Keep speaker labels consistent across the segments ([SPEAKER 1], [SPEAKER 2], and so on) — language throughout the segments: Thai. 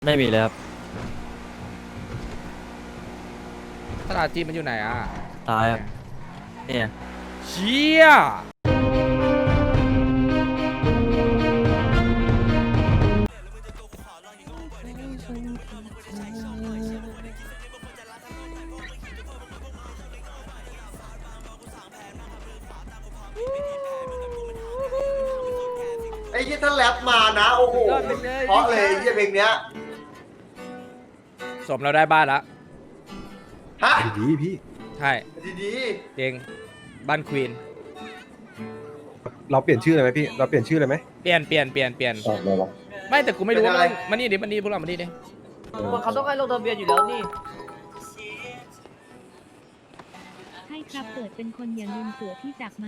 [SPEAKER 1] ไม่มีเลยครับ
[SPEAKER 2] ตลาดจีนมันอยู่ไหนอ่ะ
[SPEAKER 1] ตายครับเนี่ย
[SPEAKER 2] เชี่ย
[SPEAKER 3] ไอ้ที่ถ้าแรปมานะโอ้โหเพราะเลยไอ้เพลงเนี้ย
[SPEAKER 2] สมเราได้บ้านแล้ว
[SPEAKER 3] ฮะ
[SPEAKER 4] ดีพี่
[SPEAKER 2] ใช่
[SPEAKER 3] ดี
[SPEAKER 2] เจงบ้านควีน
[SPEAKER 4] เราเปลี่ยนชื่อเลยไหมพี่เราเปลี่ยนชื่อเลยไหม
[SPEAKER 2] เปลี่ยนไม่แต่กูไม่รู้ว่ามันนี่ดิมันนี่พวกเรามันนี่ดิ
[SPEAKER 5] เขาต้องให้ลงทะเบียนอยู่แล้วนี่
[SPEAKER 6] ให้ครับเปิดเป็นคนอย่าลืมเสือที่จากมา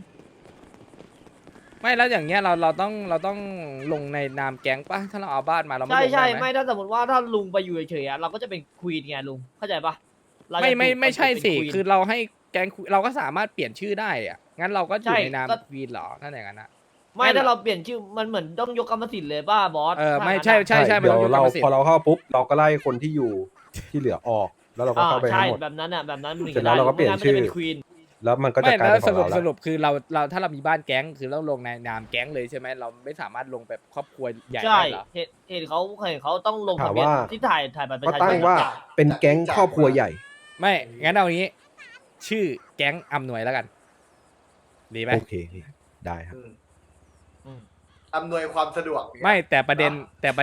[SPEAKER 2] ไม่แล้วอย่างเงี้ยเราต้องลงในนามแก๊งปะถ้าเราเอาบ้านมาเราไม่
[SPEAKER 5] ใช่
[SPEAKER 2] ลง
[SPEAKER 5] ใช่
[SPEAKER 2] ได้ไหม
[SPEAKER 5] ไม่ถ้าสมมติว่าถ้าลุงไปอยู่เฉยๆอะเราก็จะเป็นควีนไงลุงเข้าใจปะเราจะ
[SPEAKER 2] ไม่ใช่สิ
[SPEAKER 5] เป็น
[SPEAKER 2] คือเราให้แก๊งเราก็สามารถเปลี่ยนชื่อได้อะงั้นเราก็อยู่
[SPEAKER 5] ใช่
[SPEAKER 2] ในนาม
[SPEAKER 5] ก็
[SPEAKER 2] ควีนเหรอถ้าอย่างนั้นนะ
[SPEAKER 5] ไม่ถ้าเราเปลี่ยนชื่อมันเหมือนต้องยกกรรมสิทธิ์เลยป่ะบอส
[SPEAKER 2] ไม่
[SPEAKER 5] ถ้างั้น
[SPEAKER 2] ใช่
[SPEAKER 5] อะ
[SPEAKER 2] มัน
[SPEAKER 4] เดี๋
[SPEAKER 2] ต้
[SPEAKER 4] ย
[SPEAKER 2] อง
[SPEAKER 4] วย
[SPEAKER 2] กกร
[SPEAKER 4] เรา
[SPEAKER 2] รมสิท
[SPEAKER 4] พอ
[SPEAKER 2] ธิ์
[SPEAKER 4] เราเข้าปุ๊บเราก็ไล่คนที่อยู่ที่เหลือออก แล้วเราก็เข้าไป
[SPEAKER 5] ใช่
[SPEAKER 4] ให้หมด
[SPEAKER 5] แบบนั้นอ่ะแบบนั้นถึง
[SPEAKER 4] เสร็จแล้วเราก็เปลี่ยน
[SPEAKER 5] ไม่งั้
[SPEAKER 4] ชื่อ
[SPEAKER 5] มัจะเป็นควีน
[SPEAKER 4] แล้วมันก็จะ
[SPEAKER 2] ไม่
[SPEAKER 4] กลาย
[SPEAKER 2] แล้
[SPEAKER 4] เป็
[SPEAKER 2] วน
[SPEAKER 4] ของเรา
[SPEAKER 2] ส
[SPEAKER 4] แล้ว
[SPEAKER 2] รุปคือเราถ้าเรามีบ้านแก๊งคือเราลงในนามแก๊งเลยใช่ไหมเราไม่สามารถลงแบบครอบครัวใหญ่
[SPEAKER 5] ใช่
[SPEAKER 2] ได้เหรอ
[SPEAKER 5] เห็นเขาต้องลงทะเบียนที่ถ่ายบัตรประ
[SPEAKER 4] ก็
[SPEAKER 5] ชาช
[SPEAKER 4] ตั้ง
[SPEAKER 5] น
[SPEAKER 4] ว่าเป็นแก๊งครอบครัวใหญ่
[SPEAKER 2] ไม่งั้นเอางี้ ชื่อแก๊งอำนวยแล้วกัน ดีไหม
[SPEAKER 4] โอเคพี่ได้ครับ
[SPEAKER 3] ๆอำนวยความสะดวก
[SPEAKER 2] ไม่แต่ประเด็น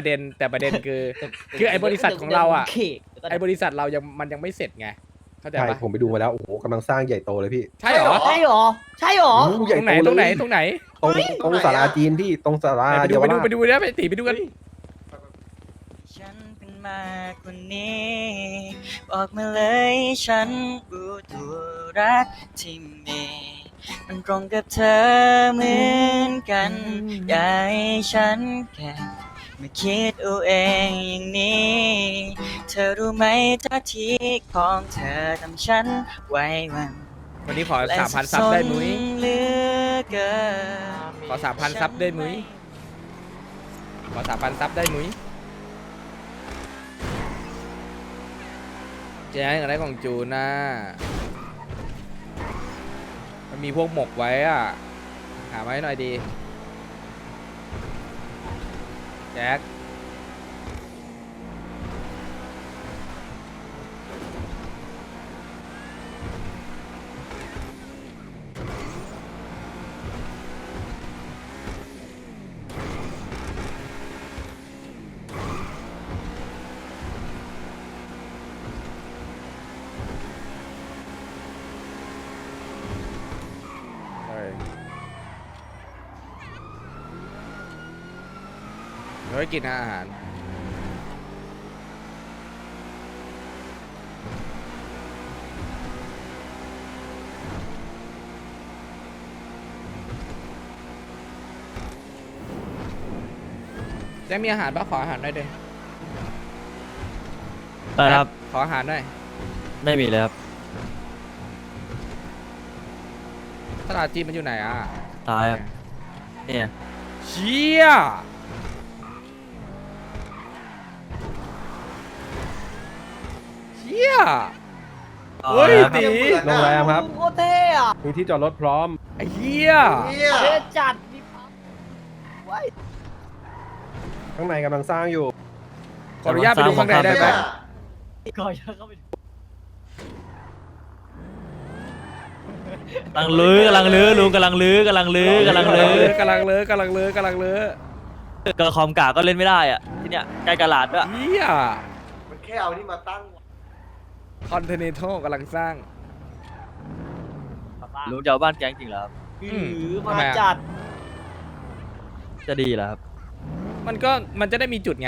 [SPEAKER 2] คือไอ้บริษัทของเราอ่ะ
[SPEAKER 5] เขก
[SPEAKER 2] ไอ้บริษัทเรามันยังไม่เสร็จไงเข้าใจ
[SPEAKER 4] ใช่
[SPEAKER 2] ปะ
[SPEAKER 4] ผมไปดูมาแล้วโอ้โหกำลังสร้างใหญ่โตเลยพี่
[SPEAKER 2] ใช่เหรอ
[SPEAKER 5] ใช่หรอใช่หรอ
[SPEAKER 4] โอ้โหใหญ่
[SPEAKER 2] ตรงไหน
[SPEAKER 4] โต
[SPEAKER 2] ตรงไหน
[SPEAKER 4] เลย
[SPEAKER 2] ตรงไหน
[SPEAKER 4] ตรงศาลาจีนพี่ตรงศาลา
[SPEAKER 2] ไปดู
[SPEAKER 4] เยาวราช
[SPEAKER 2] ไปดูนะไปตีไปดูกัน
[SPEAKER 1] ฉันเป็นมากกว่านี้ บอกมาเลยฉันรู้ตัวรักที่มีมันตรงกับเธอเหมือนกันอยากให้ฉันแค่มาคิดเอาเองอย่างนี้ เธอรู้ไหมท่าทีของเธอทำฉันไว้วัน
[SPEAKER 2] วันนี้ขอ 3,000 ซับได้มุ้ย
[SPEAKER 1] เหลือเกิน
[SPEAKER 2] ขอ 3,000 ซับได้มุ้ยขอ 3,000 ซับได้มุ้ยแจ้งอะไรของจูนนะมันมีพวกหมกไว้อ่ะหามาให้หน่อยดีแจ็คเฮ้ยกินอาหารแจ็คมีอาหารปะขออาหารหน่อยดิ
[SPEAKER 1] ได้ครับ
[SPEAKER 2] ขออาหารหน่อย
[SPEAKER 1] ไม่มีเลยครับ
[SPEAKER 2] ตลาดจีนมันอยู่ไหนอ่ะ
[SPEAKER 1] ตายครับเนี่ย
[SPEAKER 2] เชี่ยเชี่ยเฮ้ย
[SPEAKER 1] อาละครับ
[SPEAKER 2] ตี
[SPEAKER 4] โรงแรมครับ
[SPEAKER 5] โคตรเท่อะ
[SPEAKER 4] มีที่จอดรถพร้อม
[SPEAKER 2] ไอ้เหี้ย
[SPEAKER 3] เนี่ย
[SPEAKER 5] เท่จัดนี่ไว้
[SPEAKER 4] ข้างในกำลังสร้างอยู่
[SPEAKER 2] ขออนุญาตไปดูข้างในได้ไหม
[SPEAKER 5] ก่อนจะเข้าไปดู
[SPEAKER 1] กำลังลื้อกำลังลื้อลุงกำลังลื้อกำลังลื้อกำลังลื้อก
[SPEAKER 2] ำลังเลอะกำลังเลอะกำลังเลอะ
[SPEAKER 1] กระคอมกาก็เล่นไม่ได้อ่ะที่เนี้ยใกล้กระลาดด้วย
[SPEAKER 2] เหี้ย
[SPEAKER 3] มันแค่เอานี่มาตั้ง
[SPEAKER 2] คอนเทเนโตกำลังสร้าง
[SPEAKER 1] ลุงจะเอาบ้านแก๊งจริงเหรอครับ
[SPEAKER 5] หื
[SPEAKER 2] ม
[SPEAKER 5] อ
[SPEAKER 2] ทำ
[SPEAKER 5] มา
[SPEAKER 2] ไมอะ
[SPEAKER 5] จัด
[SPEAKER 1] จะดีเหรอครับ
[SPEAKER 2] มันจะได้มีจุดไง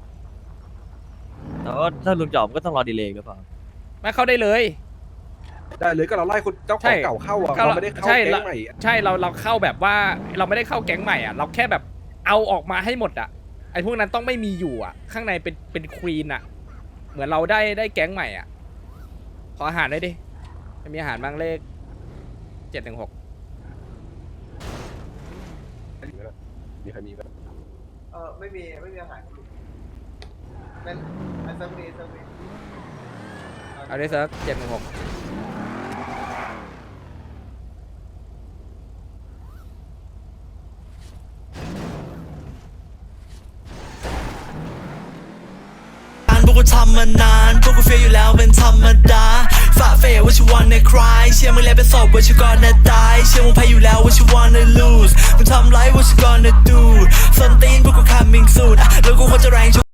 [SPEAKER 1] แต่ว่าถ้าลุงจะออกก็ต้องรอดีเลย์หรือเปล่า
[SPEAKER 2] ไม่เข้าได้เลย
[SPEAKER 4] ได้เลยก็เราไล่คนเจ้าข
[SPEAKER 2] ใช่
[SPEAKER 4] องเก่าเข้าอ่ะ
[SPEAKER 2] เข้า
[SPEAKER 4] เราไม่ได้เข้า
[SPEAKER 2] ใช่
[SPEAKER 4] แก๊งใหม่อะ
[SPEAKER 2] ใช่เราเข้าแบบว่าเราไม่ได้เข้าแก๊งใหม่อ่ะเราแค่แบบเอาออกมาให้หมดอ่ะไอ้พวกนั้นต้องไม่มีอยู่อ่ะ ข้างในเป็นควีนอ่ะ เหมือนเราได้แก๊งใหม่อ่ะขออาหารได้ดิไม่มีอาหารบ้างเลข 716
[SPEAKER 4] มีใครมีไหม
[SPEAKER 3] ไม่มีอาหารเป็นอันซัมบีซัมบี
[SPEAKER 2] เอาได้สัก716
[SPEAKER 7] พวกกูทำมานานพวกกูเฟียอยู่แล้วเป็นธรรมดาฝ่าเฟยว่าชิวันในคลายเชื่อมึงแล้วเป็นศพว่าชิวก่อนนะตายเชื่อมึงแพ้อยู่แล้วว่าชิวันใน lose มึงทำไรว่าชิ gonna do ส้นตีนพวกกู coming soon แล้วกูควรจะแรง